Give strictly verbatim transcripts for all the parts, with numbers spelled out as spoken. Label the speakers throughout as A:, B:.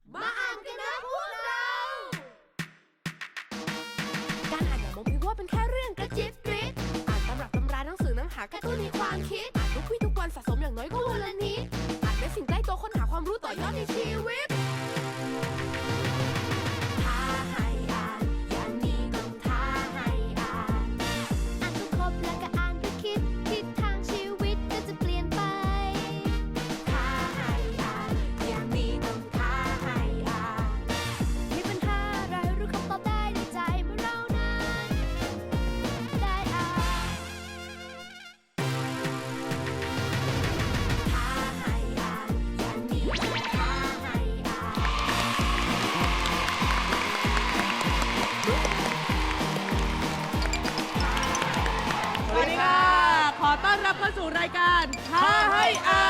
A: มาอ่านกันนะพวกเราการอ่านอย่ามองเพียงว่าเป็นแค่เรื่องกระจิบกริบอ่านตำรับตำราหนังสือน้ำหากระตุ้นในความคิดอ่านทุกวี่ทุกวันสะสมอย่างน้อยก็วันละนิดอ่านเป็นสิ่งใกล้ตัวค้นหาความรู้ต่อยอดในชีวิตท้าให้อ่านอย่างนี้ต้องท้าให้อ่านอ่านก็ครบแล้วก็อ่านก็คิดทิศทางชีวิตก็จะเปลี่ยนไปท้าให้อ่านอย่างนี้ต้องท้าให้อ่านมีปัญหาอะไรรู้คำตอบได้ในใจเมื่อเรานั้นได้อ่านท้าให้อ่านอย่างนี้ต้องท้าให้อ่าน
B: สวัสดีค่ะ ขอต้อนรับเข้าสู่รายการท้าให้อ่าน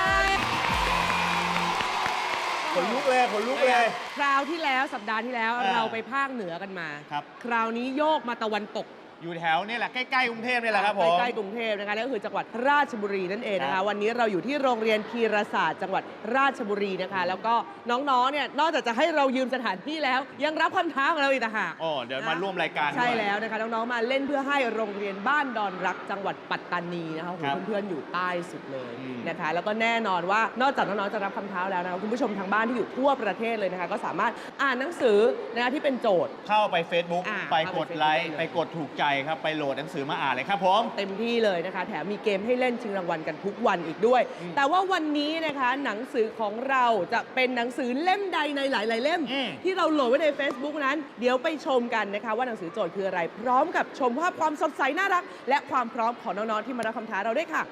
C: ขนลุกเลยขนลุกเลย
B: คราวที่แล้วสัปดาห์ที่แล้ว
C: เออ
B: เราไปภาคเหนือกันมา
C: ครับ
B: คราวนี้โยกมาตะวันตก
C: อยู่แถวนี่แหละใกล้ๆกรุงเทพนี่แหละครับผม
B: ใกล้ๆกรุงเทพนะคะนั่นก็คือจังหวัดราชบุรีนั่นเองนะ
C: ครั
B: คะ
C: บ
B: วันนี้เราอยู่ที่โรงเรียนพีรศาสตร์จังหวัดราชบุรีนะคะ แล้วก็น้องๆเนี่ยนอกจากจะให้เรายืมสถานที่แล้ว ยังรับคำท้าของเราอีกต่างหาก
C: อ๋อเดี๋ยวมาร่วมรายการ
B: ใช่
C: ด้วย
B: แล้วนะคะน้องๆมาเล่นเพื่อให้โรงเรียนบ้านดอนรักจังหวัดปัตตานีนะคะโอ้โห
C: ครับ
B: เพื่อนๆอยู่ใต้สุดเลย
C: อืม
B: นะคะ แล้วก็แน่นอนว่านอกจากน้องๆจะรับคำท้าแล้วนะคะคุณผู้ชมทางบ้านที่อยู่ทั่วประเทศเลยนะคะก็สามารถอ่านหนังสือนะคะที่เป็นโจทย์
C: เข้าไป Facebook
B: อ่า
C: ไป
B: เข้าก ไป
C: ดไลค์
B: Facebook
C: ไปกดถูกใจครับ ไปโหลดหนังสือมาอ่านเลยครับผม
B: เต็มที่เลยนะคะ แถมมีเกมให้เล่นชิงรางวัลกันทุกวันอีกด้วย
C: อืม
B: แต่ว่าวันนี้นะคะหนังสือของเราจะเป็นหนังสือเล่มใดในหลาย ๆ เล่ม
C: อืม
B: ที่เราโหลดไว้ใน Facebook นั้น เดี๋ยวไปชมกันนะคะว่าหนังสือโจทย์คืออะไร พร้อมกับชมภาพความสดใสน่ารัก และความพร้อมของน้อง ๆ ที่มารับคำท้าเราด้วยค่ะ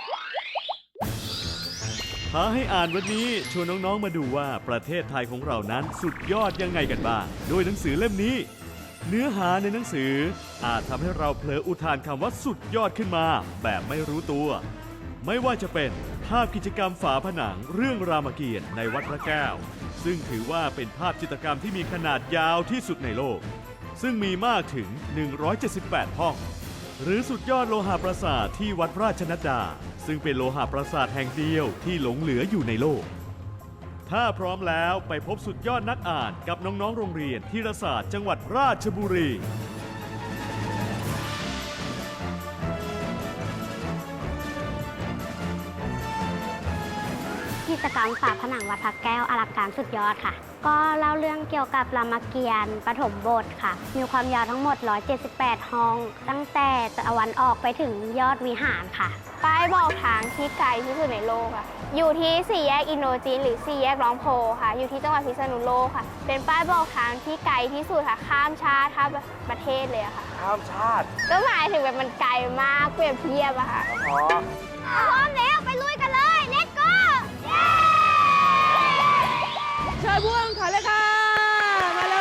D: ท้าให้อ่านวันนี้ชวนน้องๆมาดูว่าประเทศไทยของเรานั้นสุดยอดยังไงกันบ้างโดยหนังสือเล่มนี้ เนื้อหาในหนังสืออาจทำให้เราเผลออุทานคำว่าสุดยอดขึ้นมา แบบไม่รู้ตัว ไม่ว่าจะเป็นภาพกิจกรรมฝาผนังเรื่องรามเกียรติ์ในวัดพระแก้ว ซึ่งถือว่าเป็นภาพจิตรกรรมที่มีขนาดยาวที่สุดในโลก ซึ่งมีมากถึง หนึ่งร้อยเจ็ดสิบแปด ห้อง หรือสุดยอดโลหะปราสาทที่วัดราชนัดดา ซึ่งเป็นโลหะปราสาทแห่งเดียวที่หลงเหลืออยู่ในโลก ถ้าพร้อมแล้วไปพบสุดยอดนักอ่านกับน้องๆ โรงเรียนธีรศาสตร์จังหวัดราชบุรี
E: กิจกรรมฝาผนังวัดพระแก้วอลังการสุดยอดค่ะ ก็เล่าเรื่องเกี่ยวกับรามเกียรติ์ปฐมบทค่ะ มีความยาวทั้งหมด หนึ่งร้อยเจ็ดสิบแปด ห้อง ตั้งแต่ตะวันออกไปถึงยอดวิหารค่ะ
F: ป้ายบอกทางที่ไกลที่สุดในโลกค่ะ อยู่ที่สี่แยกอินโดจีนหรือสี่แยกร้องโพค่ะ อยู่ที่จังหวัดพิษณุโลกค่ะ เป็นป้ายบอกทางที่ไกลที่สุดค่ะ ข้ามชาติข้ามประเทศเลยอะค่ะ
C: ข้ามชาติ
F: ก็หมายถึงแบบมันไกลมากเปรียบเทียบอะค่ะ
C: อ๋อ
F: พร้อมแล้วไปลุยกันเลย let's go
B: เชิญผู้แข่งขันเลยค่ะ มาเลย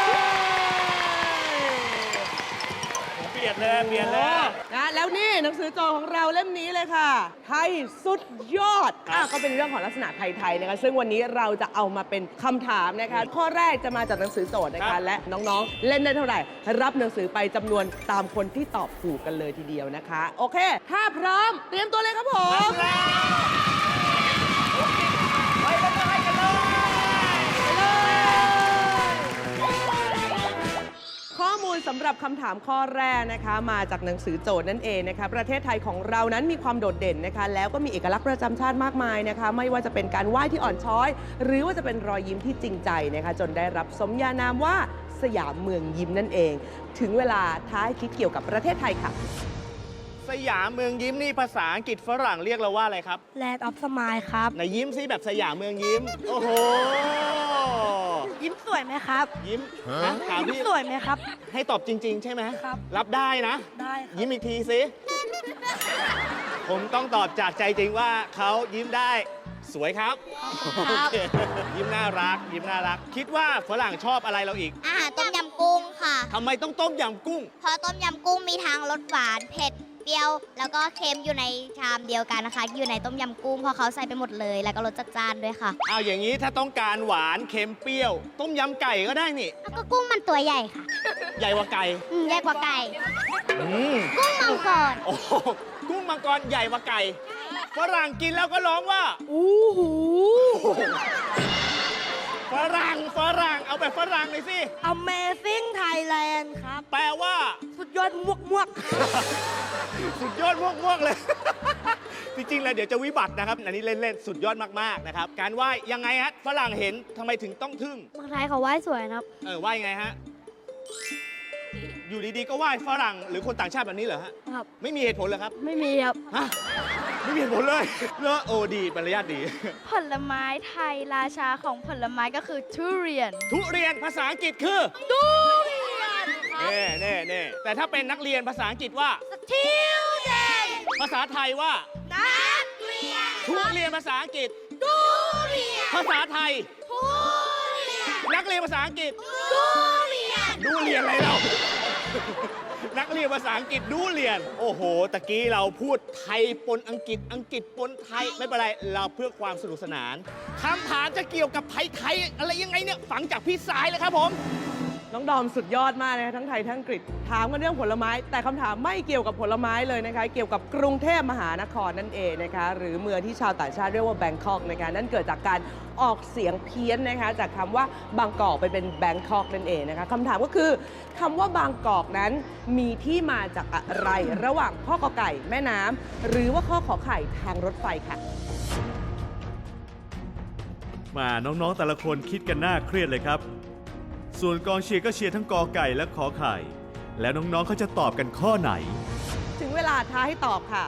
C: เปลี่ยนเลยเปลี่ยนเลย
B: นะแล้วนี่หนังสือโจทย์ของเราเล่มนี้เลยค่ะ ไทยสุดยอดอ่ะก็เป็นเรื่องของลักษณะไทยๆนะคะซึ่งวันนี้เราจะเอามาเป็นคำถามนะคะ ข้อแรกจะมาจากหนังสือโจทย์นะ
C: ครั
B: คะ
C: บ
B: และน้องๆ เล่นได้เท่าไหร่ รับหนังสือไปจำนวนตามคนที่ตอบถูกกันเลยทีเดียวนะคะ โอเค ถ้าพร้อมเตรียมตัวเลยครับผม
C: ไปกันเลยกันเลย
B: ข้อมูลสำหรับคำถามข้อแรกนะคะมาจากหนังสือโจทย์นั่นเองนะคะประเทศไทยของเรานั้นมีความโดดเด่นนะคะแล้วก็มีเอกลักษณ์ประจำชาติมากมายนะคะไม่ว่าจะเป็นการไหว้ที่อ่อนช้อย หรือว่าจะเป็นรอยยิ้มที่จริงใจนะคะจนได้รับสมญานามว่าสยามเมืองยิ้มนั่นเอง ถึงเวลาท้าให้คิดเกี่ยวกับประเทศไทยค่ะ
C: สยามเมืองยิ้มนี่ภาษาอังกฤษฝรั่งเรียกเราว่าอะไรครับ
E: Land of Smile ครับ
C: ไหนยิ้มซิแบบสยามเมืองยิ้ม โอ้โห
E: ยิ้มสวยไหมครับ
C: ยิ้มนะถาม
E: ยิ้ม
C: พี่
E: สวยไหมครับ
C: ให้ตอบจริง ๆ ใช่ไหม
E: ครับ
C: รับได้นะ
E: ได้ครับ
C: ยิ้มอีกทีสิผมต้องตอบจากใจจริงว่าเขายิ้มได้สวยครับโอเคยิ้มน่ารัก ยิ้มน่ารัก คิดว่าฝรั่งชอบอะไรเราอีก
G: อาหารต้มยำกุ้งค่ะ
C: ทำไมต้องต้มยำกุ้ง
G: เพราะต้มยำกุ้งมีทั้งรสหวานเผ็ดเปรี้ยว แล้วก็เค็มอยู่ในชามเดียวกันนะคะ อยู่ในต้มยำกุ้งเพราะเขาใส่ไปหมดเลย แล้วก็รสจัดจ้านด้วยค่ะ
C: เอาอย่างนี้ถ้าต้องการหวานเค็มเปรี้ยว ต้มยำไก่ก็ได้นี่
G: แล้วก็กุ้งมันตัวใหญ่ค่ะ
C: ใหญ่กว่าไก่
G: อืมใหญ่กว่าไก่
C: อืม
G: กุ้งมังกร
C: โอ้โหกุ้งมังกรใหญ่กว่าไก่ฝรั่งกินแล้วก็ร้องว่า
B: อู้หู
C: โฝรั่งฝรั่งเอาแบบฝรั่งหน่อยสิ
H: Amazing Thailand ครับ
C: แปลว่า
H: สุดยอดมวกมวกๆครับ
C: สุดยอดม่วงๆเลย จริงๆแล้วเดี๋ยวจะวิบัตินะครับ อันนี้เล่นๆ สุดยอดมากๆนะครับ การไหว้ยังไงฮะฝรั่งเห็นทำไมถึงต้องทึ่ง
E: เมืองไทยเขาไหว้สวยนะครับ
C: เออไหว้ยังไงฮะ อยู่ดีๆ ก็ไหว้ฝรั่งหรือคนต่างชาติแบบนี้เหรอฮะ
E: ครับ
C: ไม่มีเหตุผลเหรอครับ
E: ไม่มีครับ
C: ฮะ ไม่มีเหตุผลเลยเลอะโอ้ดีมารยาทดี
I: ผลไม้ไทยราชาของผลไม้ก็คือทุเรียน
C: ทุเรียนภาษาอังกฤษคือทุเรียนเน่เน่เน่แต่ถ้าเป็นนักเรียนภาษาอังกฤษว่า
H: Children
C: ภาษาไทยว่า
H: นักเรียน
C: ทุเรียนภาษาอังกฤษ
H: ทุเรียน
C: ภาษาไทย
H: ทุเรียน
C: นักเรียนภาษาอังกฤษ
H: ทุเรียน
C: ดูเรียนอะไรเรา นักเรียนภาษาอังกฤษดูเรียน โอ้โห ตะกี้เราพูดไทยปนอังกฤษ อังกฤษปนไทย ไม่เป็นไร เราเพื่อความสนุกสนาน คำถามจะเกี่ยวกับไทยไทยอะไรยังไงเนี่ย ฝังจากพี่สายเลยครับผม
B: น้องดอมสุดยอดมากนะคะทั้งไทยทั้งอังกฤษถามกันเรื่องผลไม้ แต่คำถามไม่เกี่ยวกับผลไม้เลยนะคะ เกี่ยวกับกรุงเทพมหานครนั่นเองนะคะ หรือเมืองที่ชาวต่างชาติเรียกว่าแบงคอกนะคะนั่นเกิดจากการออกเสียงเพี้ยนนะคะ จากคำว่าบางกอกไปเป็นแบงคอกนั่นเองนะคะคำถามก็คือคำว่าบางกอกนั้นมีที่มาจากอะไร ระหว่างข้อกอไก่แม่น้ำหรือว่าข้อขอไข่ทางรถไฟค่ะ
D: มาน้องๆแต่ละคนคิดกันหน้าเครียดเลยครับ ส่วนกองเชียร์ก็เชียร์ทั้งกอไก่และขอไข่ แล้วน้องๆเขาจะตอบกันข้อไหน
B: ถึงเวลาท้าให้ตอบค่ะ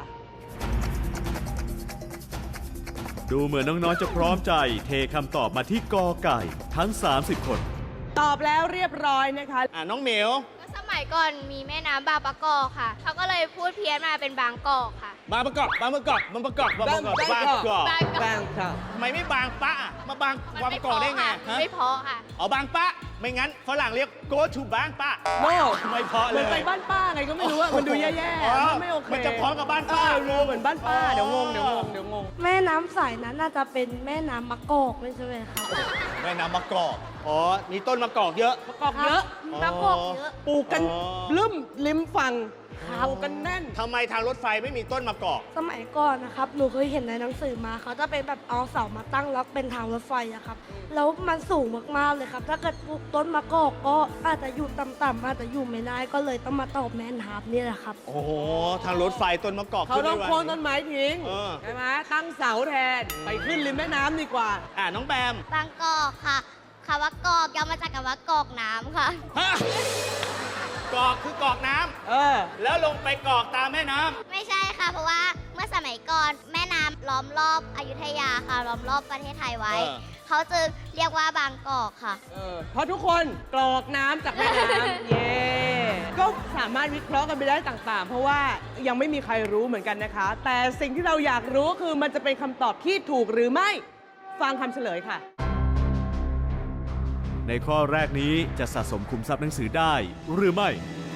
D: ดูเหมือนน้องๆจะพร้อมใจเทคำตอบมาที่กอไก่ทั้ง สามสิบ คน
B: ตอบแล้วเรียบร้อยนะคะ
C: อ่าน้องเหมียว
F: สมัยก่อนมีแม่น้ำบางปะกอกค่ะ เขาก็เลยพูดเพี้ยนมาเป็นบางกอกค่ะ
C: บางประกอบบางประกอบบางประกอบบางประกอบบางประกอบ
F: บางกอก
B: แบงค์ค่ะ
C: ทำไมไม่บางปะอ่ะมาบาง
F: มัน
C: บางป
F: ไม่
C: ระ
F: เพ
C: กอบ
F: ราะ
C: ได้ไง
F: ค่ะ
C: ฮะ
F: ไม่เพราะค่ะ
C: อ๋อบางปะ ไม่งั้นฝรั่งเรียก go to บางปะ
B: โน่
C: ไม่เพราะ
B: เห
C: เล
B: มือน
C: ย
B: ไปบ้านป้าไงก็ไม่รู้อะมันดูแย่
C: อ๋อ
B: ๆมันไม่โอเค
C: มันจะพร้อมกับบ้านป้า
B: เออเหมือนบ้านป้า
C: อ๋อ
B: เดี๋ยวงงเดี๋ยวงงเดี๋ยวงง
H: แม่น้ำสายนั้นน่าจะเป็นแม่น้ำมะกอกไม่ใช่ไหมครับ
C: แม่น้ำมะกอกอ๋อ มีต้นมะกอกเยอะ
B: ประกอบเยอะ
C: อ๋อ
H: มะกอกเยอะ
B: ปลูกกัน
C: อ๋อ
B: ลืมริมฝั่งปลูกกันแน่น
C: ทำไมทางรถไฟไม่มีต้นมะกอก
H: สมัยก่อนนะครับ หนูเคยเห็นในหนังสือมาเขาจะเป็นแบบเอาเสามาตั้งแล้วเป็นทางรถไฟอะครับ แล้วมันสูงมากๆเลยครับ ถ้าเกิดปลูกต้นมะกอกก็อาจจะอยู่ต่ำๆอาจจะอยู่ไม่ได้ก็เลยต้องมาตอบแม่น้ำนี่แหละครับ
C: โอ้โห ทางรถไฟต้นมะกอก
B: เขาต้อง
C: ขึ้
B: โค่น
C: ไม่ไหว
B: ต้นไม้ทิ้ง
C: เออ
B: ใช่ไหมตั้งเสาแทน ไปขึ้นริมแม่น้ำดีกว่า
C: อ่าน้องแบม
G: บางกอกค่ะคำว่ากอกย่อมาจากคำว่ากอกน้ำค่ะ
C: ฮะกอกคือกอกน้ำ
B: เออ
C: แล้วลงไปกอกตามแม่น้ำ
G: ไม่ใช่ค่ะ เพราะว่าเมื่อสมัยก่อนแม่น้ำล้อมรอบอยุธยาค่ะ ล้อมรอบประเทศไทยไว้
C: เออ
G: เขาจึงเรียกว่าบางกอกค่ะ
B: เออเพราะทุกคนกรอกน้ำจากแม่น้ำ เย่ก็สามารถวิเคราะห์กันไปได้ต่างๆ เพราะว่ายังไม่มีใครรู้เหมือนกันนะคะ แต่สิ่งที่เราอยากรู้คือมันจะเป็นคำตอบที่ถูกหรือไม่ ฟังคำเฉลยค่ะ
D: ในข้อแรกนี้จะสะสมคุมทรัพย์หนังสือได้หรือไม่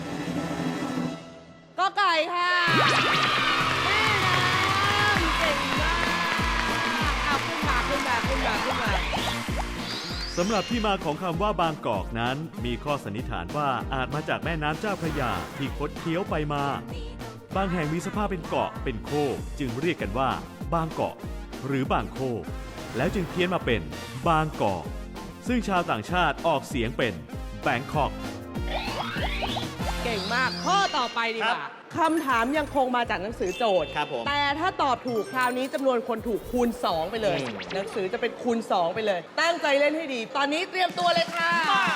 B: ก็ไก่ค่ะ แม่น้ำเก่งมากเอาขึ้นมาขึ้นมาขึ้นมาขึ้นมา
D: สำหรับที่มาของคำว่าบางกอกนั้น มีข้อสันนิษฐานว่าอาจมาจากแม่น้ำเจ้าพระยาที่คดเคี้ยวไปมา บางแห่งมีสภาพเป็นเกาะเป็นโคกจึงเรียกกันว่า บางเกาะ หรือบางโคกแล้วจึงเพี้ยนมาเป็นบางกอก ซึ่งชาวต่างชาติออกเสียงเป็นแบงคอก
B: เก่งมาก ข้อต่อไปดีก
C: ครั
B: ว่า
C: บ
B: คำถามยังคงมาจากหนังสือโจทย์
C: ครับผม
B: แต่ถ้าตอบถูกคราวนี้จำนวนคนถูกคูณ สอง ไปเลย
C: อืม
B: หนังสือจะเป็นคูณ สอง ไปเลย ตั้งใจเล่นให้ดี ตอนนี้เตรียมตัวเลยค่ะ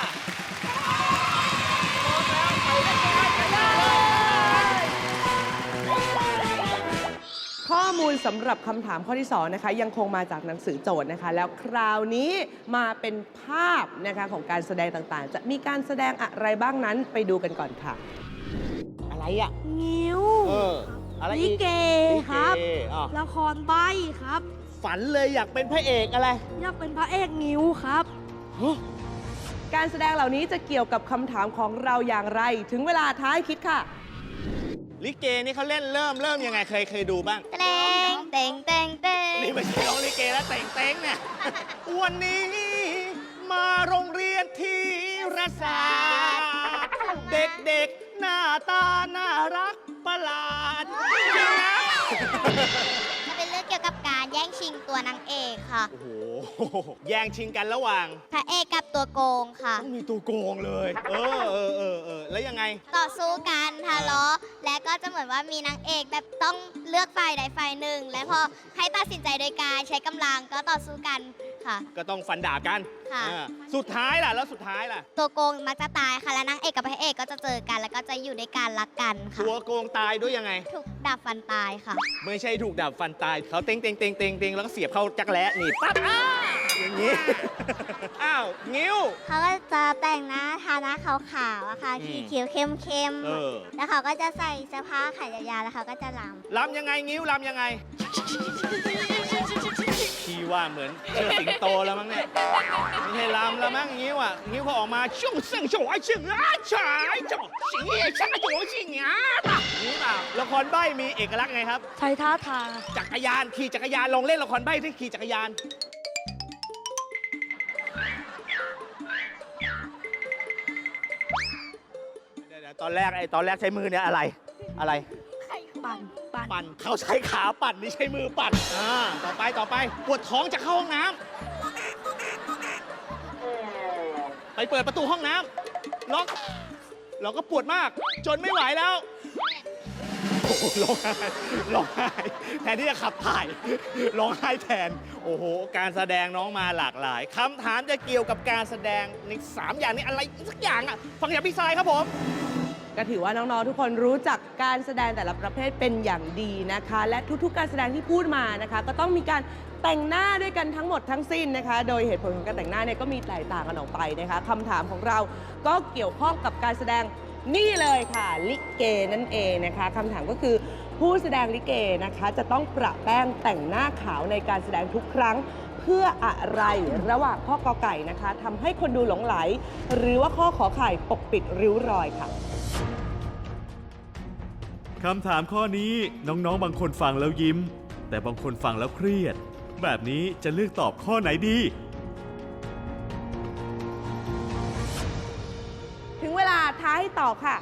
B: ข้อมูลสำหรับคำถามข้อที่สองนะคะยังคงมาจากหนังสือโจทย์นะคะ แล้วคราวนี้มาเป็นภาพนะคะของการแสดงต่างๆ จะมีการแสดงอะไรบ้างนั้นไปดูกันก่อนค่ะ
C: อะไรอ่ะ
H: งิ้ว
C: เออ อะไร
H: ลิ
C: อีก
H: เกครับ
C: ลิเกอ่ะ
H: ละครใบครับ
C: ฝันเลยอยากเป็นพระเอกอะไร
H: อยากเป็นพระเอกงิ้วครับ
B: การแสดงเหล่านี้จะเกี่ยวกับคำถามของเราอย่างไร ถึงเวลาท้ายคิดค่ะ
C: ลิเกนี่เขาเล่นเริ่มเริ่มยังไงเคยเคยดูบ้าง
G: เตงเตงเตงเตง
C: นี่ไม่ใช่ร้องลิเกแล้วแต่งเต้งเนี่ย วันนี้มาโรงเรียนที่รศาสตร์เด็กๆ หน้าตาน่ารักประหลาดจริงนะ
G: จะเป็นเรื่องเกี่ยวกับการแย่งชิงงตัวนางเอกค่ะ
C: โอ้โห แย่งชิงกันระหว่าง
G: พระเอกกับตัวโกงค่ะ
C: ต้องมีตัวโกงเลย เออเออเออเออแล้วยังไง
G: ต่อสู้กันทะเลาะและก็จะเหมือนว่ามีนางเอกแบบต้องเลือกฝ่ายใดฝ่ายหนึ่ง และพอให้ตัดสินใจโดยการใช้กำลังก็ต่อสู้กันค่ะ
C: ก็ต้องฟันดาบกัน
G: ค่ะ
C: อ่าสุดท้ายล่ะ แล้วสุดท้ายล่ะ
G: ตัวโกงมักจะตายค่ะและนางเอกกับพระเอกก็จะเจอกัน แล้วก็จะอยู่ด้วยกันรักกันค่ะ
C: ตัวโกงตายด้วยยังไง
G: ถูกดับฟันตายค่ะ
C: ไม่ใช่ถูกดาบฟันตาย เขาเต็งเต็งเต็งเต็งเต็งแล้วก็เสียบเข้าจักรแล้หนีบปั๊บอ้าอย่างนี้ อ้าว งิ้ว
E: เขาก็จะแต่งหน้าทาหน้าขาวๆอะค่ะ
C: อืม
E: ขีดคิ้วเข้ม
C: เออ
E: ๆแล้วเขาก็จะใส่เสื้อผ้าขายาวๆแล้วเขาก็จะรำ
C: ลำยังไง งิ้วลำยังไง พี่ว่าเหมือนเชือกสิงโตแล้วมั้งเนี่ย ไม่ใช่ลำแล้วมั้งงิ้วอ่ะ งิ้วเขาออกมาช่วงเส้นช่วงไอ้เชือกอ้าฉายจ่อสิงเอ๋ช่างโจสิงอ่ะนี่เปล่าละครใบ้มีเอกลักษณ์ไงครับ
H: ใช้ท่าทาง
C: จักรยานขี่จักรยานลองเล่นละครใบ้ที่ขี่จักรยาน เดี๋ยวๆตอนแรกไอ้ตอนแรกใช้มือเนี่ยอะไร อะไร
H: ปั่นปั่น
C: ปั่นเขาใช้ขาปั่นนี่ใช้มือปั่นอ่าต่อไปต่อไปปวดท้องจะเข้าห้องน้ำไปเปิดประตูห้องน้ำล็อกเราก็ปวดมาก จนไม่ไหวแล้วโอ้โหร้องไห้ร้องไห้แทนที่จะขับถ่ายร้องไห้แทน โอ้โห การแสดงน้องมาหลากหลายคำถามจะเกี่ยวกับการแสดงในสามอย่างนี้อะไรสักอย่างอ่ะฟังจากพี่ทรายครับผม
B: ก็ถือว่าน้องๆทุกคนรู้จักการแสดงแต่ละประเภทเป็นอย่างดีนะคะ และทุกๆการแสดงที่พูดมานะคะ ก็ต้องมีการแต่งหน้าด้วยกันทั้งหมดทั้งสิ้นนะคะ โดยเหตุผลของการแต่งหน้าเนี่ยก็มีแตกต่างกันออกไปนะคะคำถามของเราก็เกี่ยวข้องกับการแสดงนี่เลยค่ะลิเกนั่นเองนะคะคำถามก็คือผู้แสดงลิเกนะคะจะต้องประแป้งแต่งหน้าขาวในการแสดงทุกครั้ง เพื่ออะไรระหว่างข้อกอไก่นะคะทำให้คนดูหลงไหล หรือว่าข้อขอไข่ปกปิดริ้วรอยค่ะ
D: คำถามข้อนี้น้องๆ บางคนฟังแล้วยิ้ม แต่บางคนฟังแล้วเครียด แบบนี้จะเลือกตอบข้อไหนดี
B: ถึงเวลาท้าให้ตอบค่ะ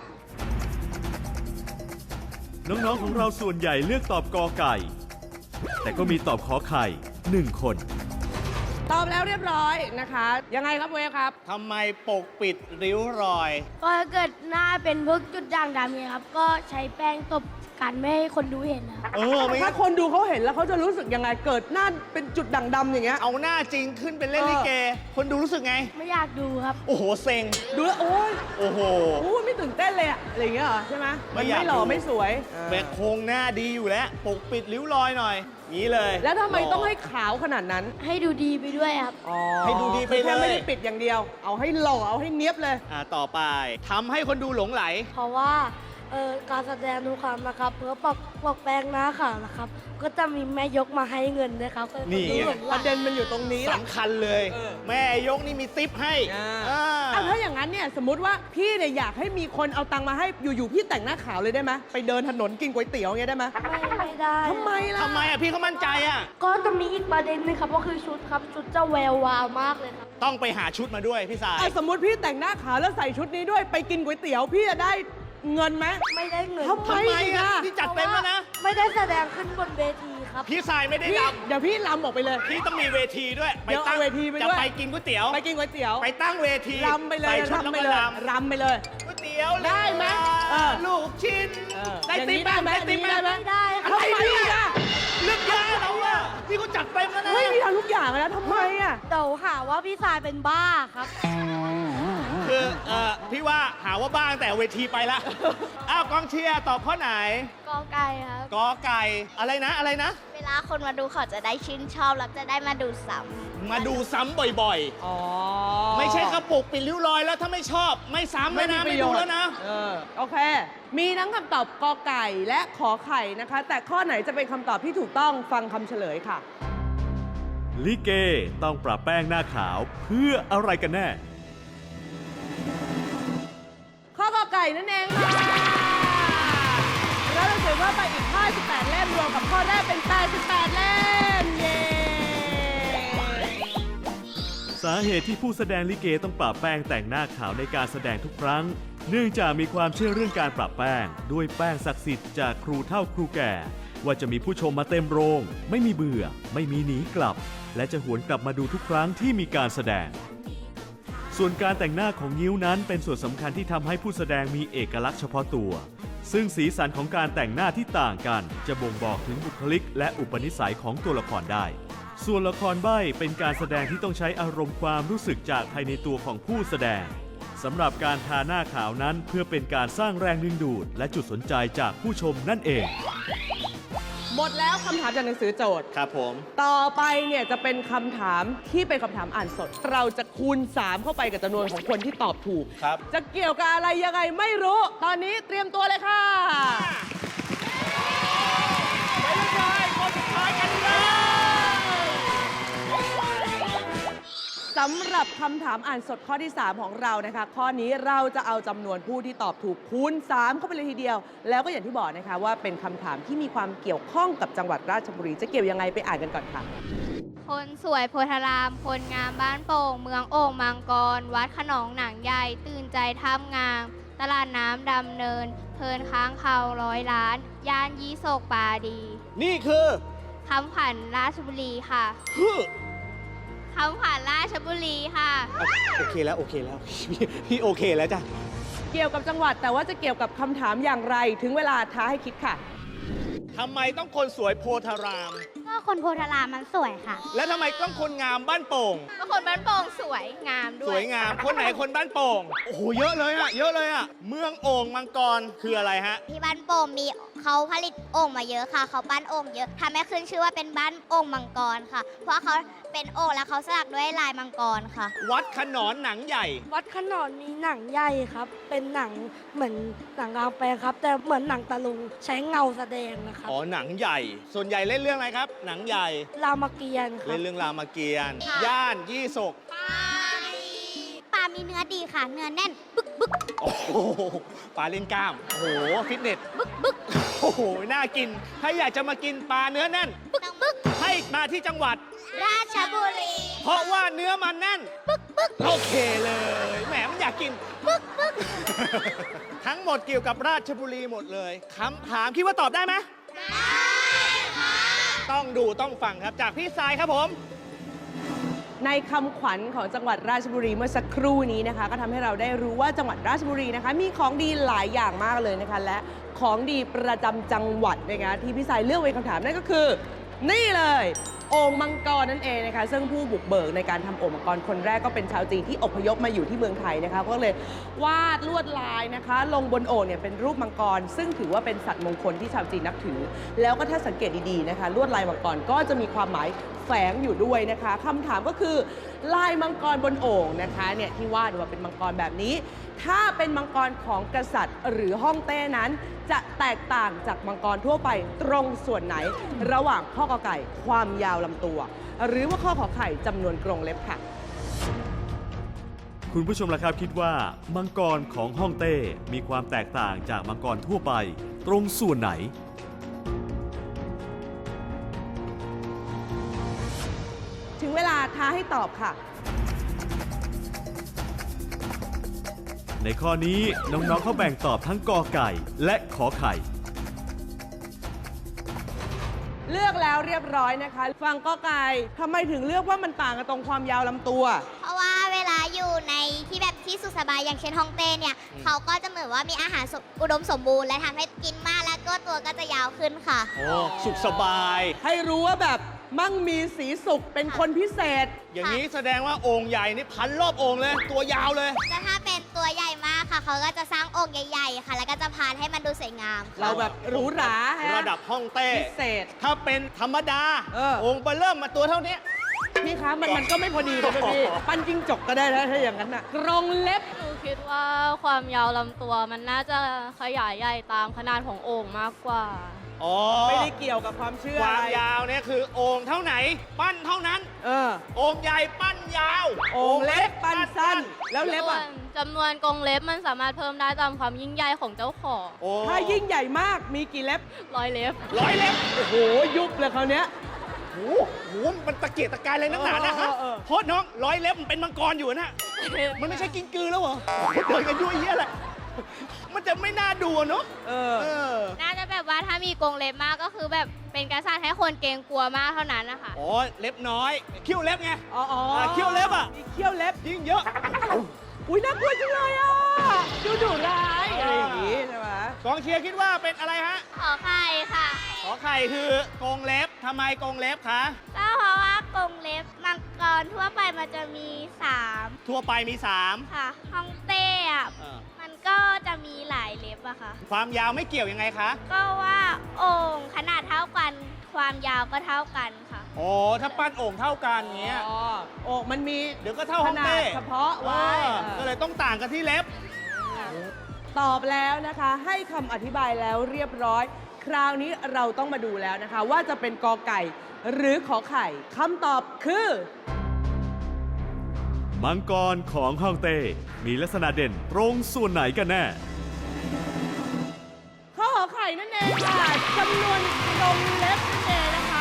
D: น้องๆ ของเราส่วนใหญ่เลือกตอบกอไก่ แต่ก็มีตอบขอไข่หนึ่งคน
B: ตอบแล้วเรียบร้อยนะคะ ยังไงครับเวฟครับ
C: ทำไมปกปิดริ้วรอย
H: ก็ถ้าเกิดหน้าเป็นพวกจุดด่างดำเนี่ยครับ ก็ใช้แป้งตบกันไม่ให้คนดูเห็นนะครับ
C: เออ ไม่
B: ถ้า
C: งั้น
B: คนดูเขาเห็นแล้วเขาจะรู้สึกยังไง เกิดหน้าเป็นจุดด่างดำอย่างเงี้ย
C: เอาหน้าจริงขึ้นเป็นเล่นลิเก คนดูรู้สึกไง
H: ไม่อยากดูครับ
C: โอ้โห เซ็ง
B: ดูแล้วโอ๊ย
C: โอ้โห
B: โอ้ยไม่ตื่นเต้นเลยอะอะไรอย่างเงี้ยเหรอใช่ไหม
C: ไม่
B: มัน
C: อยาก
B: ไม่หล่อ
C: ดู
B: ไม่สวย
C: แบกโครงหน้าดีอยู่แล้ว ปกปิดริ้วรอยหน่อยงี้เลย
B: แล้วทำไมต้องให้ขาวขนาดนั้น
H: ให้ดูดีไปด้วยครับ
B: อ๋อ
C: ให้ดูดีไปเลย
B: แค่ไม่ได้ปิดอย่างเดียว เอาให้หล่อเอาให้เนี้ยบเลย
C: อ่าต่อไปทำให้คนดูหลงไหล
H: เพราะว่าเอ่อการแสดงทุกครั้งนะครับ เพื่อปกปกแป้งหน้าขาวนะครับ ก็จะมีแม่ยกมาให้เงินด้วยครับก็
C: นี่
H: ดูหลงไห
B: ป
H: ล
B: ระเด็นมันอยู่ตรงนี้แหละ
C: สำคัญเลย
B: เออ
C: แม่ยกนี่มีซิปให้
B: อ่า
C: อ่า
B: เอาถ้าอย่างนั้นเนี่ยสมมติว่าพี่เนี่ยอยากให้มีคนเอาตังค์มาให้อยู่ๆพี่แต่งหน้าขาวเลยได้ไหมไปเดินถนนกินก๋วยเตี๋ยวอย่างเงี้ยได้ไหม
H: ไม่ไม่ได้
B: ทำไมล่ะ
C: ทำไมอ่ะพี่เขามั่นใจอ่ะ
H: ก็จะมีอีกประเด็นหนึงครับก็คือชุดครับ ชุดจะแวววาวมากเลยครับ
C: ต้องไปหาชุดมาด้วยพี่สาย
B: อ่ะสมมติพี่แต่งหน้าขาวแล้วใส่ชุดนี้ด้วยไปกินก๋วยเตี๋ยวพี่จะได้เงินไหม
H: ไม่ได้เงิน
B: ทำไม
C: ทำไม
B: อีก
C: อ่ะ
B: อ่ะ
C: พี่จัดเต็มแล้วนะ
H: ไม่ได้แสดงขึ้นบนเวทีครับ
C: พี่สายไม่ได้
B: พี่
C: ล
B: เดี๋ยวพี่ลำออกไปเลย
C: ำพี่ต้องมีเวทีด้วย
B: เดี๋ยวเอาเวทีไปด้วย
C: จะไปกินก๋วยเตี๋ยว
B: ไปกินก๋วยเตี๋ยว
C: ไปตั้งเวที
B: รำไปเลย
C: ใส่ชุดแล้ว
B: รำไป
C: มา
B: เลย
C: ล
B: รำไปเลย
C: ำก๋วยเตี๋ยว
B: ได้ไหมเออ
C: ลูกชิ้น
B: เออ
C: ได้
B: อย่าง
C: ติ๊
B: นี้
C: บไหม
B: ได้ไหม
C: ได้ติ๊บไหม
B: อย่างนี้ได้ไหม
H: ไม่ได้ครับ
B: ทำไมอีกอ่ะ
C: เรื่องยาเราอ่ะพี่เขาจัดเต็มแล้วนะ
B: เฮ้ยมีทำทุกอย่างเลยนะทำไมอ่ะ
H: เดี๋ยวหาว่าพี่สายเป็นบ้าครับ
C: คือเอ่อพี่ว่าหาว่าบ้างแต่เวทีไปละ อ้าวกองเชียร์ตอบข้อไหน
H: กอไก่ครับ
C: กอไก่อะไรนะอะไรนะ
G: เวลาคนมาดูเขาจะได้ชื่นชอบแล้วจะได้มาดูซ้
C: มาดูซ้ำบ่อย
B: อ๋อ
C: ๆ ไม่ใช่กระปุกปิดริ้วรอยแล้วถ้าไม่ชอบ ไม่ซ้ำแล้วนะไม่ดูแล้วนะ
B: เออโอเค มีทั้งคำตอบกอไก่และขอไข่นะคะ แต่ข้อไหนจะเป็นคำตอบที่ถูกต้องฟังคำเฉลยค่ะ
D: ลิเกต้องปรับแป้งหน้าขาวเพื่ออะไรกันแน่
B: ข้อกอไก่นั่นเองค่ะแล้วเราเสียเพิ่มไปอีกห้าสิบแปดเล่มรวมกับข้อแรกเป็นแปดสิบแปดเล่ม เย้
D: สาเหตุที่ผู้แสดงลิเกต้องปรับแป้งแต่งหน้าขาวในการแสดงทุกครั้ง เพเนื่องจากมีความเชื่อเรื่องการปรับแป้งด้วยแป้งศักดิ์สิทธิ์จากครูเฒ่าครูแก่ ว่าจะมีผู้ชมมาเต็มโรง ไม่มีเบื่อ ไม่มีหนีกลับ และจะหวนกลับมาดูทุกครั้งที่มีการแสดง ส่วนการแต่งหน้าของงิ้วนั้นเป็นส่วนสำคัญที่ทำให้ผู้แสดงมีเอกลักษณ์เฉพาะตัว ซึ่งสีสันของการแต่งหน้าที่ต่างกัน จะบ่งบอกถึงบุคลิกและอุปนิสัยของตัวละครได้ ส่วนละครใบ้เป็นการแสดงที่ต้องใช้อารมณ์ความรู้สึกจากภายในตัวของผู้แสดงสำหรับการทาหน้าขาวนั้นเพื่อเป็นการสร้างแรงดึงดูดและจุดสนใจจากผู้ชมนั่นเอง
B: หมดแล้วคำถามจากหนังสือโจทย์
C: ครับผม
B: ต่อไปเนี่ยจะเป็นคำถามที่เป็นคำถามอ่านสด เราจะคูณ สาม เข้าไปกับจำนวนของคนที่ตอบถูก
C: ครับ
B: จะเกี่ยวกับอะไรยังไงไม่รู้ ตอนนี้เตรียมตัวเลยค่ะไปเลยคนสุดท้ายกันเลยสำหรับคำถามอ่านสดข้อที่ สาม ของเรานะคะ ข้อนี้เราจะเอาจำนวนผู้ที่ตอบถูกคูณ สาม เข้าไปเลยทีเดียว แล้วก็อย่างที่บอกนะคะว่าเป็นคำถามที่มีความเกี่ยวข้องกับจังหวัดราชบุรี จะเกี่ยวยังไงไปอ่านกันก่อนค่ะ
F: คนสวยโพธาราม คนงามบ้านโป่ง เมืองโอ่งมังกร วัดขนองหนังใหญ่ ตื่นใจท่ามงาม ตลาดน้ำดำเนิน เพลินค้างเขาร้อยล้าน ย่านยี่โศกปาดี
C: นี่คือ
F: คำขวัญราชบุรีค่ะ
C: ฮึ
F: คำขวัญราชบุรีค่ะ
C: โอเคแล้ว โอเคแล้ว พี่พี่โอเคแล้วจ้ะ
B: เกี่ยวกับจังหวัดแต่ว่าจะเกี่ยวกับคำถามอย่างไร ถึงเวลาท้าให้คิดค่ะ
C: ทำไมต้องคนสวยโพธาราม
E: ก็คนโพธารามมันสวยค่ะ
C: และทำไมต้องคนงามบ้านโป่ง
F: ก็คนบ้านโป่งสวยงามด้
C: ส
F: วย
C: วยงาม คนไหนคนบ้านโป่ง โอ้โห เยอะเลยอะเยอะเลยอะเมืองโอ่งมังกรคืออะไรฮะ
G: ที่บ้านโป่งมีเขาผลิตโอ่งมาเยอะค่ะ เขาปั้นโอ่งเยอะทำให้ขึ้นชื่อว่าเป็นบ้านโอ่งมังกรค่ะ เพราะเขาเป็นโอ่งแล้วเขาสลักด้วยลายมังกรค่ะ
C: วัดขนอนหนังใหญ่
H: วัดขนอนมีหนังใหญ่ครับ เป็นหนังเหมือนหนังกลางแปลงครับ แต่เหมือนหนังตะลุงใช้เงาแสดงนะครับ
C: อ๋อ หนังใหญ่ ส่วนใหญ่เล่นเรื่องอะไรครับ หนังใหญ่
H: รามเกียรติ์ครั
C: เล่
H: บ
C: นเรื่องรามเกียรติ์
G: ค่ะ
C: ย่านยี่ศก
G: ปลามีเนื้อดีค่ะ เนื้อแน่น บึกบึก
C: โอ้โหปลาเล่นกล้าม โอ้โห ฟิตเนส บึกบึกโอ้โห น่ากิน ถ้าอยากจะมากินปลาเนื้อแน่น
G: บึกบึก
C: ให้มาที่จังหวัด
G: ราชบุรี
C: เพราะว่าเนื้อมันแน่น บึกบึกโอเคเลย แหมมันอยากกิน บึกบึกทั้งหมดเกี่ยวกับราชบุรีหมดเลยคำถามคิดว่าตอบได้ไหมต้องดูต้องฟังครับจากพี่สายครับผม
B: ในคำขวัญของจังหวัดราชบุรีเมื่อสักครู่นี้นะคะ ก็ทำให้เราได้รู้ว่าจังหวัดราชบุรีนะคะ มีของดีหลายอย่างมากเลยนะคะ และของดีประจำจังหวัดนะคะที่พี่สายเลือกไว้คำถามนั่นก็คือ นี่เลยโอ่งมังกรนั่นเองนะคะซึ่งผู้บุกเบิกในการทำโอ่งมังกรคนแรกก็เป็นชาวจีนที่อพยพมาอยู่ที่เมืองไทยนะคะก็เลยวาดลวดลายนะคะ ลงบนโอ่งเนี่ยเป็นรูปมังกร ซึ่งถือว่าเป็นสัตว์มงคลที่ชาวจีนนับถือ แล้วก็ถ้าสังเกตดีๆนะคะ ลวดลายมังกรก็จะมีความหมายแฝงอยู่ด้วยนะคะคำถามก็คือลายมังกรบนโอ่งนะคะเนี่ยที่วาดว่าเป็นมังกรแบบนี้ ถ้าเป็นมังกรของกษัตริย์หรือฮ่องเต้นั้น จะแตกต่างจากมังกรทั่วไปตรงส่วนไหน ระหว่างข้อกอไก่ความยาวลำตัว หรือว่าข้อขอไข่จำนวนกรงเล็บค่ะ
D: คุณผู้ชมล่ะครับคิดว่า มังกรของฮ่องเต้มีความแตกต่างจากมังกรทั่วไป ตรงส่วนไหน
B: ถึงเวลาท้าให้ตอบค่ะ
D: ในข้อนี้น้องๆเขาแบ่งตอบทั้งกอไก่และขอไข่
B: เลือกแล้วเรียบร้อยนะคะ ฟังกอไก่ทำไมถึงเลือกว่ามันต่างกันตรงความยาวลำตัว
G: เพราะว่าเวลาอยู่ในที่แบบที่สุขสบายอย่างเช่นฮ่องเต้เนี่ยเขาก็จะเหมือนว่ามีอาหารสมอุดมสมบูรณ์และทำให้กินมากแล้วก็ตัวก็จะยาวขึ้นค่ะ
C: โอ้ สุขสบาย
B: ให้รู้ว่าแบบมั่งมีสีสุขเป็นคนพิเศษ
C: อย่างนี้แสดงว่าโอ่งใหญ่นี่พันรอบโอ่งเลย ตัวยาวเลย
G: แต่ถ้าเป็นตัวใหญ่มากค่ะ เขาก็จะสร้างโอ่งใหญ่ๆค่ะ แล้วก็จะพานให้มันดูสวยงามค่ะ
B: เราแบบหรูหราฮะ
C: ระดับฮ่องเต้
B: พิเศษ
C: ถ้าเป็นธรรมดา
B: เออ
C: โอ่งไปเริ่มมาตัวเท่านี้
B: พี่คะมันมันก็ไม่พอดีเลยนะพี่ ปั้นจิ้งจกก็ได้นะถ้าอย่างนั้นน่ะกรงเล็บ
I: หนูคิดว่าความยาวลำตัวมันน่าจะขยายใหญ่ตามขนาดของโอ่งมากกว่า
C: อ๋อ
B: ไม่ได้เกี่ยวกับความเชื่อ
C: ควา
B: อะ
C: ม
B: ไร
C: ยาวเนี่ยคือโอ่งเท่าไหน ปั้นเท่านั้น
B: เออ
C: โอ่งใหญ่ปั้นยาว
B: โอ่งเล็กปั้นสั้น แล้วเล็บ
I: ส่ว
B: อ่ะ
I: นจำนวนกรงเล็บมันสามารถเพิ่มได้ตามความยิ่งใหญ่ของเจ้าของ
C: โอ้
B: ถ้ายิ่งใหญ่มากมีกี่เล็บ
I: ร้อยเล็บ
C: ร้อยเล็บ
B: โอ้โห ยุบเลยคราวเนี้ย
C: โอ้โหโหมันตะเกียกตะกายเลยนักหนานะครับ
B: เออเออเออ
C: โทษน้องร้อยเล็บมันเป็นมังกรอยู่นะ มันไม่ใช่กินกือแล้วเหรอเดินกันยุ่ยเยี่ยแหละมันจะไม่น่าดูเนาะ
B: เออ
C: เออ
I: น่าจะแบบว่าถ้ามีกรงเล็บมากก็คือแบบเป็นกษัตริย์ให้คนเกรงกลัวมากเท่านั้นนะคะ
C: อ๋อ เล็บน้อย เขี้ยวเล็บไง
B: อ๋ออ๋อ
C: อ่ะเขี้ยวเล็บอ่ะ
B: มีเขี้ยวเล็บ
C: ยิ่งเยอะ
B: อุ้ยน่ากลัวจังเลยอ่ะ ดูดุร้ายอะไรอย่างงี้ใช่ไหม
C: กองเชียร์คิดว่าเป็นอะไรฮะ
F: ขอไข่ค่ะ
C: ขอไข่คือกรงเล็บ ทำไมกรงเล็บคะ
F: ก็เพราะว่ากรงเล็บมังกรทั่วไปมันจะมีสาม
C: ทั่วไปมีสาม
F: ค่ะฮ่องเต้อะ
C: เออ
F: มันก็จะมีหลายเล็บอะค่ะ
C: ความยาวไม่เกี่ยวยังไงคะ
F: ก็ว่าโอ่งขนาดเท่ากันความยาวก็เท่ากันค่ะ
C: โอ้ถ้าปั้นโอ่งเท่ากันเงี้ย
B: อ๋อโอ้มันมี
C: เดี๋ยวก็เท่า
B: ข
C: ห้อง
B: นาด
C: เต้
B: เฉพาะไว้
C: เออก็เลยต้องต่างกันที่เล็บ
B: ตอบแล้วนะคะ ให้คำอธิบายแล้วเรียบร้อย คราวนี้เราต้องมาดูแล้วนะคะ ว่าจะเป็นกอไก่หรือขอไข่คำตอบคือ
D: มังกรของฮ่องเต้ มีลักษณะเด่นตรงส่วนไหนกันแน่
B: ข้อขอไข่นั่นเองค่ะจำนวนกรงเล็บนั่นเองนะคะ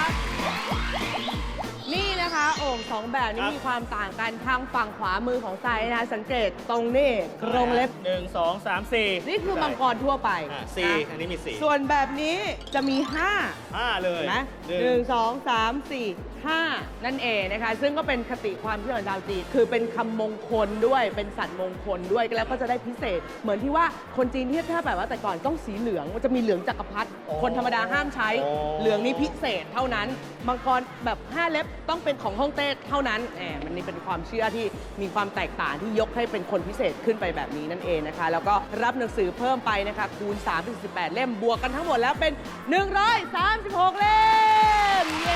B: นี่นะคะโอ่งสองแบบนี้
C: ครับ
B: มีความต่างกันทางฝั่งขวามือของไซนะคะสังเกตตรงนี้กรงเล็บ
C: หนึ่งสองสามสี่
B: นี่คือมังกรทั่วไป
C: อ่ะสี่
B: นะ
C: อันนี้มีสี่
B: ส่วนแบบนี้จะมีห้า
C: ห้าเลย
B: นะ
C: หนึ่ง
B: หนึ่งสองสามสี่ห้านั่นเองนะคะ ซึ่งก็เป็นคติความเชื่อของชาวจีนคือเป็นคำมงคลด้วยเป็นสัตว์มงคลด้วยแล้วก็จะได้พิเศษ เหมือนที่ว่าคนจีนที่ถ้าแบบว่าแต่ก่อนต้องสีเหลืองมันจะมีเหลืองจักรพรรดิคนธรรมดาห้ามใช้ เหลืองนี้พิเศษเท่านั้นมังกรแบบห้าเล็บต้องเป็นของฮ่องเต้เท่านั้นแหมมันนี่เป็นความเชื่อที่มีความแตกต่างที่ยกให้เป็นคนพิเศษขึ้นไปแบบนี้นั่นเองนะคะ แล้วก็รับหนังสือเพิ่มไปนะคะคูณสามเป็นสิบแปดเล่มบวกกันทั้งหมดแล้วเป็นหนึ่งร้อยสามสิบหกเล่มเย้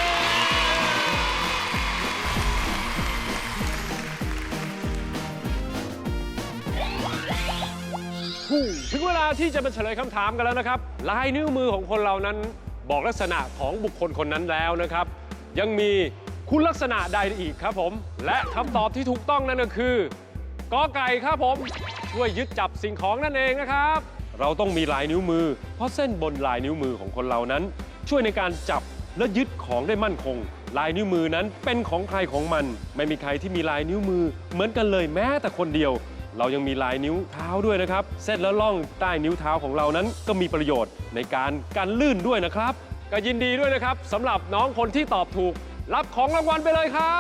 J: ถึงเวลาที่จะมาเฉลยคำถามกันแล้วนะครับ ลายนิ้วมือของคนเรานั้นบอกลักษณะของบุคคลคนนั้นแล้วนะครับ ยังมีคุณลักษณะใดอีกครับผม และคำตอบที่ถูกต้องนั่นก็คือกอไก่ครับผม ช่วยยึดจับสิ่งของนั่นเองนะครับ เราต้องมีลายนิ้วมือ เพราะเส้นบนลายนิ้วมือของคนเรานั้น ช่วยในการจับและยึดของได้มั่นคง ลายนิ้วมือนั้นเป็นของใครของมัน ไม่มีใครที่มีลายนิ้วมือเหมือนกันเลยแม้แต่คนเดียว เรายังมีลายนิ้วเท้าด้วยนะครับเส้นและล่องใต้นิ้วเท้าของเรานั้นก็มีประโยชน์ในการกันลื่นด้วยนะครับก็ยินดีด้วยนะครับสำหรับน้องคนที่ตอบถูก รับของรางวัลไปเลยครับ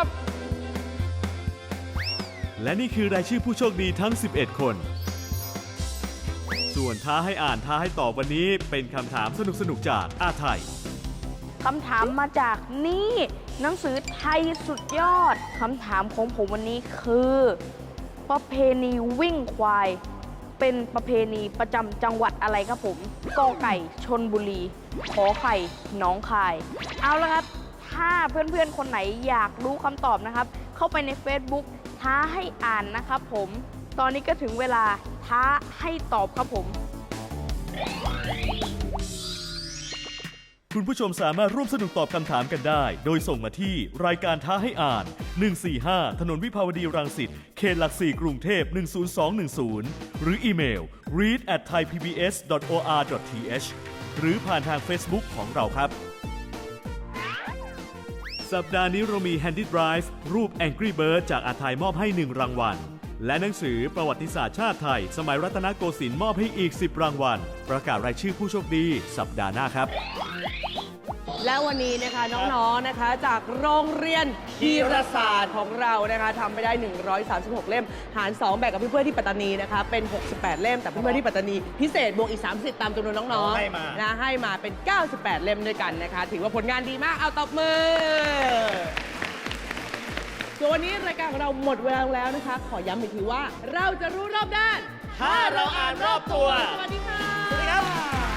D: และนี่คือรายชื่อผู้โชคดีทั้ง สิบเอ็ด คน ส่วนท้าให้อ่านท้าให้ตอบวันนี้เป็นคำถามสนุกๆจากอาไทย
K: คำถามมาจากนี่หนังสือไทยสุดยอดคำถามของผมวันนี้คือประเพณีวิ่งควาย เป็นประเพณีประจำจังหวัดอะไรครับผมกอไก่ชลบุรีขอไข่หนองคาย เอาละครับ ถ้าเพื่อนๆคนไหนอยากรู้คำตอบนะครับ เข้าไปใน Facebook ท้าให้อ่านนะครับผม ตอนนี้ก็ถึงเวลาท้าให้ตอบครับผม
D: คุณผู้ชมสามารถร่วมสนุกตอบคำถามกันได้ โดยส่งมาที่รายการท้าให้อ่าน หนึ่งสี่ห้า ถนนวิภาวดีรังสิต เขตหลักสี่กรุงเทพ หนึ่งศูนย์สองหนึ่งศูนย์ หรืออีเมล read at thai p b s dot o r dot t h หรือผ่านทาง Facebook ของเราครับ สัปดาห์นี้เรามี Handy Drive รูป Angry Bird จากอาไทยมอบให้หนึ่งรางวัล และหนังสือประวัติศาสตร์ชาติไทย สมัยรัตนโกสินทร์มอบให้อีกสิบรางวัล ประกาศรายชื่อผู้โชคดีสัปดาห์หน้าครับ
B: และวันนี้นะคะน้องๆนะคะจากโรงเรียนธีรศาสตร์ของเรานะคะทำไปได้หนึ่งร้อยสามสิบหกเล่มหารสองแบ่งกับเพื่อนๆที่ปัตตานีนะคะเป็นหกสิบแปดเล่มแต่เพื่อนๆที่ปัตตานีพิเศษบวกอีกสามสิบตามจำนวนน้องๆ
C: ให้มา
B: นะให้มาเป็นเก้าสิบแปดเล่มด้วยกันนะคะถือว่าผลงานดีมากเอาตบมือส่วนวันนี้รายการของเราหมดเวลาแล้วนะคะขอย้ำอีกทีว่าเราจะรู้รอบด้าน
C: ถ้าเราอ่านรอบตัว
B: สวัสดีค่ะ
C: สวัสดีครับ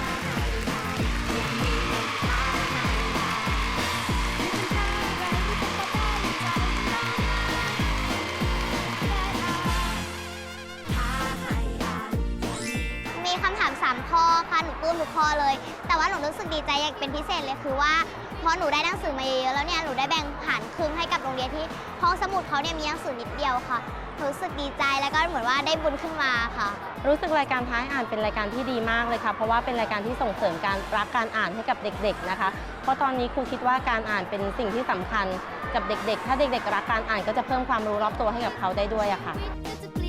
G: มีคำถามสามข้อค่ะหนูปลื้มทุกข้อเลย แต่ว่าหนูรู้สึกดีใจอย่างเป็นพิเศษเลยคือว่าพอหนูได้หนังสือมาเยอะๆแล้วเนี่ยหนูได้แบ่งผ่านครึ่งให้กับโรงเรียนที่ห้องสมุดเขาเนี่ยมีหนังสือนิดเดียวค่ะหนูรู้สึกดีใจแล้วก็เหมือนว่าได้บุญขึ้นมาค่ะ
K: รู้สึกรายการท้าให้อ่านเป็นรายการที่ดีมากเลยค่ะเพราะว่าเป็นรายการที่ส่งเสริมการรักการอ่านให้กับเด็กๆนะคะเพราะตอนนี้ครูคิดว่าการอ่านเป็นสิ่งที่สำคัญกับเด็กๆถ้าเด็กๆรักการอ่านก็จะเพิ่มความรู้รอบตัวให้กับเขาได้ด้วยอะค่ะ
A: ชีวิตก็จะเปลี่ยน